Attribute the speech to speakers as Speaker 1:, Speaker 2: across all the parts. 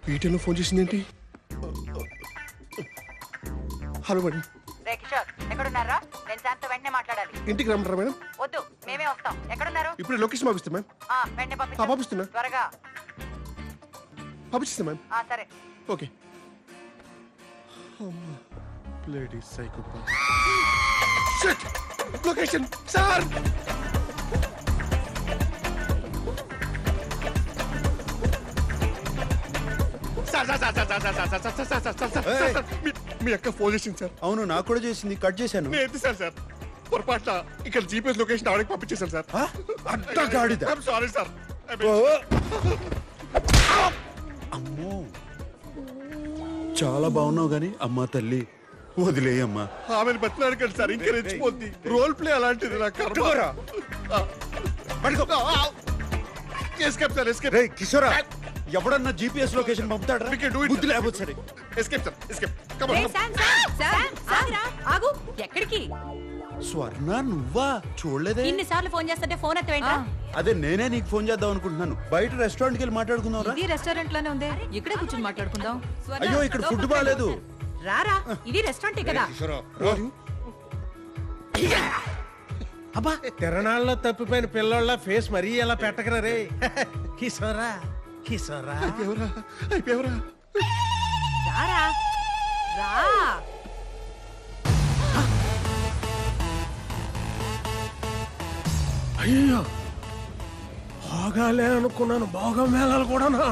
Speaker 1: ఈటెలో phone చేసిందేంటి? Hello madam.
Speaker 2: రే కిషోర్, ఎక్కడున్నారా? నేను శాంత్ వెంటనే మాట్లాడాలి.
Speaker 1: ఇంటికి రమ్మంటారా మేడం?
Speaker 2: వద్దు, మేమే వస్తాం. ఎక్కడున్నారు?
Speaker 1: ఇప్పుడు లొకేషన్ పంపిస్తా మ్యామ్.
Speaker 2: వెంటనే
Speaker 1: పంపిస్తున్నా.
Speaker 2: త్వరగా
Speaker 1: పంపిస్తా మ్యామ్.
Speaker 2: సరే.
Speaker 1: Okay. Bloody psychopath. Shit! Location sir. మీ అక్క ఫోన్ చేసింది సార్.
Speaker 3: అవును, నాకు కూడా చేసింది. కట్ చేశాను.
Speaker 1: నేను ఎత్తి సార్ పొరపాట్ల ఇక్కడ జీపీఎస్ లొకేషన్ ఆవిడకి పంపించేశాను సార్.
Speaker 3: అడ్డగాడిద.
Speaker 1: Sorry sir.
Speaker 3: అమ్మో, చాలా బాగున్నావు గాని అమ్మా తల్లి వదిలేయమ్మా.
Speaker 1: ఆమెను బతిలాడకండి సార్, ఇంకా రెచ్చిపోద్ది. రోల్ ప్లే అలాంటిది. నాకు ఎస్కేప్ సార్, ఎస్కేప్.
Speaker 3: రేయ్ కిషోరా, ఎవడన్నా జీపీఎస్ లొకేషన్ పంపుతాడా? బుద్ధి లేకపోతే సరే.
Speaker 1: Escape sir, escape. కమ్
Speaker 2: రే
Speaker 1: ఆన్.
Speaker 2: శామ్, ఆగురా, ఆగు. ఎక్కడికి?
Speaker 3: స్వర్ణ, నువ్వా? చూడలేదే.
Speaker 2: ఇన్నిసార్లు ఫోన్ చేస్తుంటే ఫోన్ ఎత్తవేంట్రా?
Speaker 3: అదే నేనే నీకు ఫోన్ చేద్దాం అనుకుంటున్నాను. బయట రెస్టారెంట్కి వెళ్ళి మాట్లాడుకుందాం రా.
Speaker 2: ఇది రెస్టారెంట్ లోనే ఉంది, ఇక్కడే కూర్చొని మాట్లాడుకుందాం.
Speaker 3: అయ్యో, ఇక్కడ ఫుడ్ బాగాలేదు.
Speaker 2: రారా, ఇది రెస్టారెంటే కదా.
Speaker 4: అబ్బా, తిరణాల్లో తప్పిపోయిన పిల్లోళ్ళ ఫేస్ మరీ ఎలా పెట్టకరా రే. కిషోరా, కిషోరా.
Speaker 1: అయిపోయావరా?
Speaker 2: రారా, రా.
Speaker 4: అయ్యో, బాగాలే అనుకున్నాను. బాగా మేళాలు కూడానా?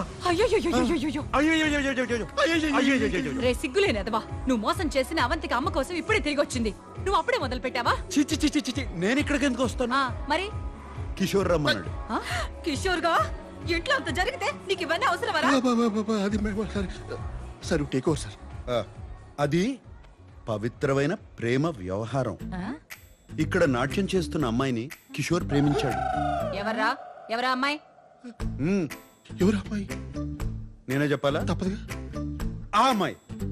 Speaker 2: రే సిగ్గులేనదవా, నువ్వు మోసం చేసిన అవంతికి అమ్మ కోసం ఇప్పుడే తిరిగి వచ్చింది. నువ్వు అప్పుడే మొదలు పెట్టావా?
Speaker 3: చిచ్చి చిచ్చి చిచ్చి, నేను ఇక్కడికి ఎందుకు వస్తాను?
Speaker 2: మరి
Speaker 3: కిషోర్ రమ్మన్నాడు.
Speaker 2: కిషోర్ గా ఇంట్లో అంత జరిగితే నీకు ఇవన్నీ అవసరమరా?
Speaker 1: అది సార్ టేక్ ఓవర్ సార్.
Speaker 3: అది పవిత్రమైన ప్రేమ వ్యవహారం. ఇక్కడ నాట్యం చేస్తున్న అమ్మాయిని కిషోర్ ప్రేమించాడు.
Speaker 2: ఎవరా అమ్మాయి?
Speaker 1: ఎవరు అమ్మాయి?
Speaker 3: నేనే చెప్పాలా?
Speaker 1: తప్పదుగా.
Speaker 3: ఆ అమ్మాయి.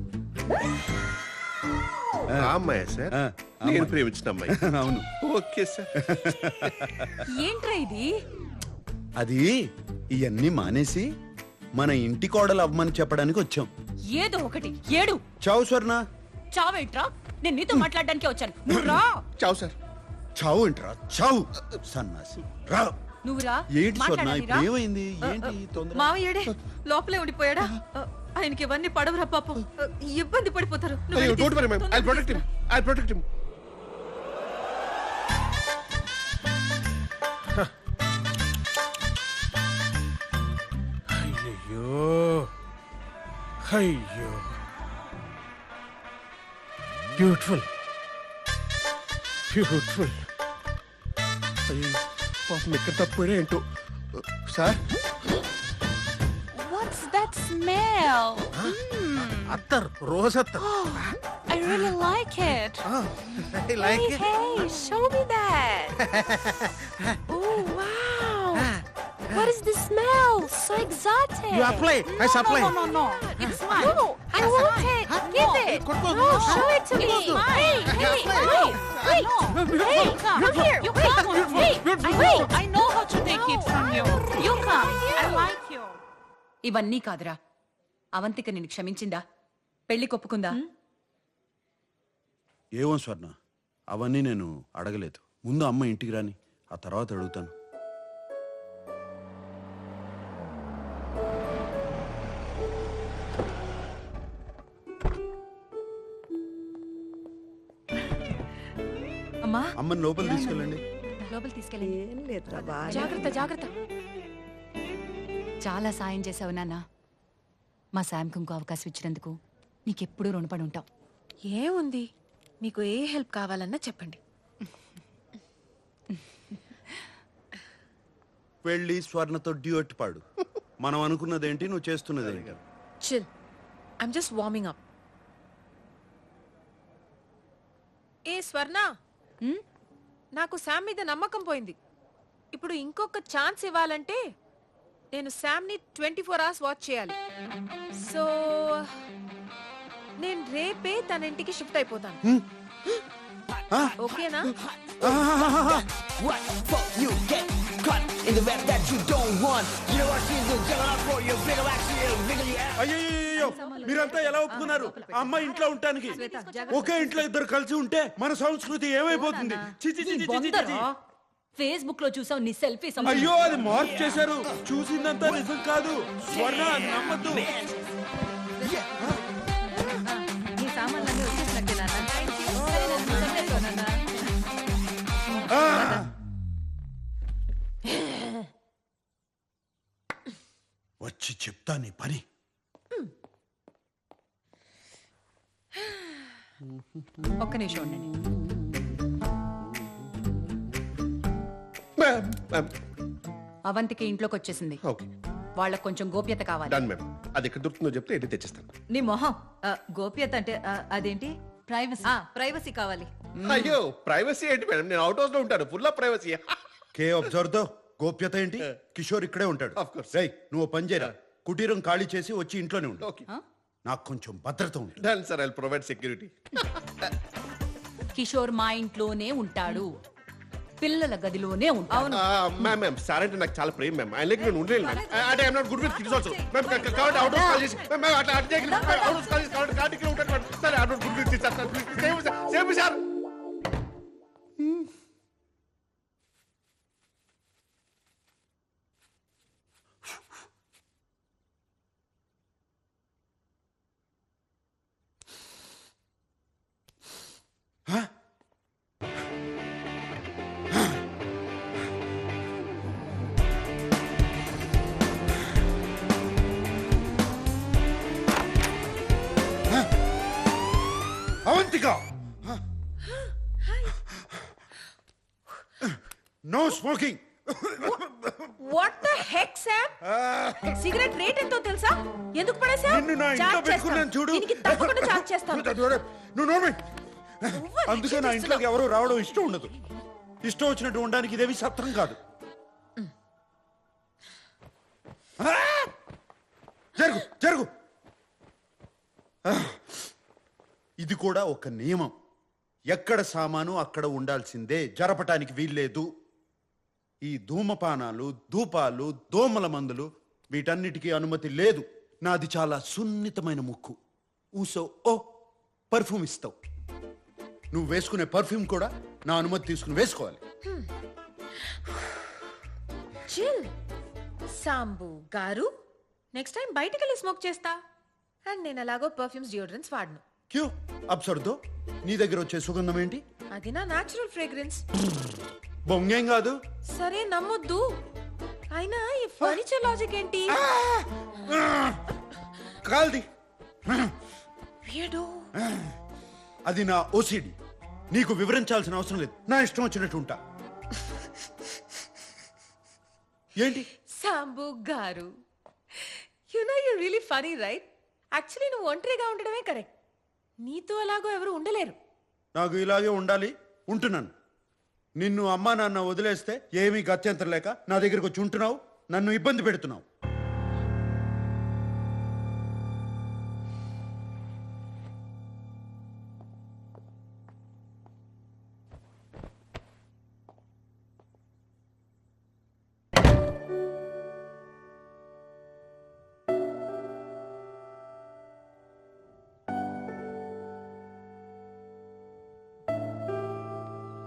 Speaker 1: ఆ అమ్మాయి సార్, నేను ప్రేమించిన అమ్మాయి.
Speaker 3: అవును.
Speaker 1: Okay sir.
Speaker 2: ఏంట్రా ఇది?
Speaker 3: అది ఇవన్నీ మానేసి మన ఇంటి కోడలు అవ్వమని చెప్పడానికి వచ్చాం.
Speaker 2: ఏదో ఒకటి ఏడు.
Speaker 3: చావు స్వర్ణ.
Speaker 2: చావేంట్రా? నేను నీతో మాట్లాడడానికే వచ్చాను. నువ్వు రా.
Speaker 1: చావు సార్.
Speaker 3: చావు ఏంట్రా? చావు సన్నాసి. రా.
Speaker 2: నువ్వు రా.
Speaker 3: ఏంటి స్వర్ణ, ఇప్పుడు ఏమైంది? ఏంటి తొందర?
Speaker 2: మావయ్యడే లోపలే ఉండిపోయాడా? ఆయనకి ఇవన్నీ పడవరా పాపం, ఇబ్బంది పడిపోతారు. నువ్వు వెళ్ళి
Speaker 1: don't worry ma'am, I will protect him. I will protect him.
Speaker 4: అయ్యో, అయ్యో, బ్యూటిఫుల్, బ్యూటిఫుల్.
Speaker 1: అయ్యో పాపం ఎక్కడ తప్పిపోయినా ఏంటో సార్.
Speaker 5: What's that smell?
Speaker 4: అత్తర్, రోజ్ అత్తర్.
Speaker 5: I really like it.
Speaker 4: I like it.
Speaker 5: Hey, show me that. Oh, wow. What is the smell? So exotic.
Speaker 4: You apply. I supply.
Speaker 5: No. It's mine. No, I want it. Give it. No, show it to me. Hey, wait. Hey, come here. You come. Hey, wait.
Speaker 6: I know how to take it from you. You come. I like you.
Speaker 2: ఇవన్నీ కాదురా, అవంతిక నిన్ను క్షమించిందా? పెళ్లి కొప్పుకుందా?
Speaker 3: ఏమో స్వర్ణ, అవన్నీ నేను అడగలేదు. ముందు అమ్మ ఇంటికి రాని, ఆ తర్వాత అడుగుతాను.
Speaker 2: అమ్మా,
Speaker 3: అమ్మని లోపల తీసుకెళ్ళండి.
Speaker 2: లోపల తీసుకెళ్ళండి. జాగ్రత్త. చాలా సాయం చేసావు నాన్న. మా శామ్కి ఇంకో అవకాశం ఇచ్చినందుకు నీకెప్పుడూ రుణపడి ఉంటాం.
Speaker 6: ఏముంది, మీకు ఏ హెల్ప్ కావాలన్నా చెప్పండి.
Speaker 3: వెళ్ళి స్వర్ణతో డ్యూయట్ పాడు. మనం అనుకున్నదేంటి, నువ్వు చేస్తున్నదేంటి?
Speaker 6: Chill, I'm just warming up. ఏ స్వర్ణ, నాకు శామ్ మీద నమ్మకం పోయింది. ఇప్పుడు ఇంకొక ఛాన్స్ ఇవ్వాలంటే నేను శామ్ని 24 hours వాచ్ చేయాలి. సో నేను రేపే తన ఇంటికి షిఫ్ట్ అయిపోతాను. ఓకేనా?
Speaker 7: What fuck you get caught in the rap that you don't want. You know what she's doing? Juggling up for your bigger action, bigger you out.
Speaker 3: అయ్యో మీరంతా ఎలా ఒప్పుకున్నారు ఆ అమ్మాయి ఇంట్లో ఉండటానికి? ఒకే ఇంట్లో ఇద్దరు కలిసి ఉంటే మన సంస్కృతి ఏమైపోతుంది? చి, చి, చి, చి, చి, చి, చి.
Speaker 2: ఫేస్బుక్ లో చూసావు నీ సెల్ఫీ
Speaker 3: అయ్యో అది మార్పు చేశారు. చూసిందంతా నిజం కాదు స్వర్ణ, అది నమ్మద్దు.
Speaker 2: నీ సామాన్లన్నీ వచ్చేసినట్టే నాన్న. సరే, నన్ను చంపేసుకో నాన్న.
Speaker 3: వచ్చి చెప్తా నీ పని.
Speaker 2: ఒక్క నిమిషం ఉండండి.
Speaker 1: మ్యామ్ మ్యామ్
Speaker 2: అవంతికి ఇంట్లోకి వచ్చేసింది.
Speaker 1: ఓకే
Speaker 2: వాళ్ళకి కొంచెం గోప్యత కావాలి.
Speaker 1: Done ma'am. అది ఎక్కడ దొరుకుతుందో చెప్తే ఏంటి తెచ్చిస్తాను.
Speaker 2: నీ మొహం గోప్యత అంటే అదేంటి? ప్రైవసీ కావాలి.
Speaker 1: అయ్యో ప్రైవసీ ఏంటి మేడం? నేను అవుట్ హౌస్ లో ఉంటాను. Full of privacy.
Speaker 3: కే అబ్జర్వ్ తో గోప్యత ఏంటి? కిషోర్ ఇక్కడే ఉంటాడు.
Speaker 1: Of course.
Speaker 3: రేయ్ నువ్వు ఓ పని చేయరా, కుటీరం ఖాళీ చేసి వచ్చి ఇంట్లోనే ఉండు.
Speaker 1: ఓకే
Speaker 3: నాకు కొంచెం భద్రత ఉంటుంది.
Speaker 1: Done sir. I provide security.
Speaker 2: Kishore మా ఇంట్లోనే ఉంటాడు, పిల్లల గదిలోనే ఉంటాడు.
Speaker 1: మ్యామ్ మ్యామ్ సార్ అంటే నాకు చాలా ప్రేమ మ్యామ్. ఆయన నేను ఉండలేను మ్యామ్. అంటే I'm not good with kids also ma'am. కాబట్టి అవుట్ హౌస్ కాల్ చేసి మ్యామ్ అట్లా అట్లా అవుట్ హౌస్ కాల్ చేసి కాబట్టి కార్డిక్లో ఉంటాను ma'am. Sir I'm not good with kids sir. Please save మీ sir.
Speaker 3: Avantika, no smoking.
Speaker 6: What the heck Sam? Cigarette rate ఎంతో తెలుసా? ఎందుకు పడేసా?
Speaker 3: నిన్ను నా ఇంట్లో పెట్టుకున్నాను చూడు.
Speaker 6: దీనికి తప్పకుండా చార్జ్ చేస్తాను.
Speaker 3: నువ్వు నోర్మై. అందుకే నా ఇంట్లోకి ఎవరు రావడం ఇష్టం ఉండదు. ఇష్టం వచ్చినట్టు ఉండడానికి ఇదేమి సత్రం కాదు. జరుగు జరుగు. ఇది కూడా ఒక నియమం. ఎక్కడ సామాను అక్కడ ఉండాల్సిందే, జరపటానికి వీల్లేదు. ఈ ధూమపానాలు, ధూపాలు, దోమల మందులు వీటన్నిటికీ అనుమతి లేదు. నాది చాలా సున్నితమైన ముక్కు. ఊసో ఓ పర్ఫ్యూమ్ ఇస్తావు. నువ్వు వేసుకునే పర్ఫ్యూమ్ కూడా నా అనుమతి తీసుకుని వేసుకోవాలి.
Speaker 6: చిల్ సాంబు గారు. నెక్స్ట్ టైం బయటికి వెళ్ళి స్మోక్ చేస్తా. అండ్ నేను అలాగో పర్ఫ్యూమ్స్ డియోడ్రెంట్స్ వాడను.
Speaker 3: క్యూ అబ్సర్దో, నీ దగ్గర వచ్చే సుగంధం ఏంటి?
Speaker 6: అది నా న్యాచురల్ ఫ్రేగ్రెన్స్.
Speaker 3: బొంగేం కాదు.
Speaker 6: సరే నమ్మొద్దు. అయినా ఈ ఫర్నిచర్ లాజిక్ ఏంటి?
Speaker 3: కాల్ది.
Speaker 6: వీడు
Speaker 3: అది నా ఓసిడి. నీకు వివరించాల్సిన అవసరం లేదు. నా ఇష్టం వచ్చినట్టు ఉంటా. ఏంటి
Speaker 6: సాంబు గారు, you know you really funny right? Actually నువ్వు ఒంటరిగా ఉండడమే కరెక్ట్. నీతో అలాగో ఎవరు ఉండలేరు.
Speaker 3: నాకు ఇలాగే ఉండాలి, ఉంటున్నాను. నిన్ను అమ్మా నాన్న వదిలేస్తే ఏమీ గత్యంతరం లేక నా దగ్గరకు వచ్చి ఉంటున్నావు, నన్ను ఇబ్బంది పెడుతున్నావు.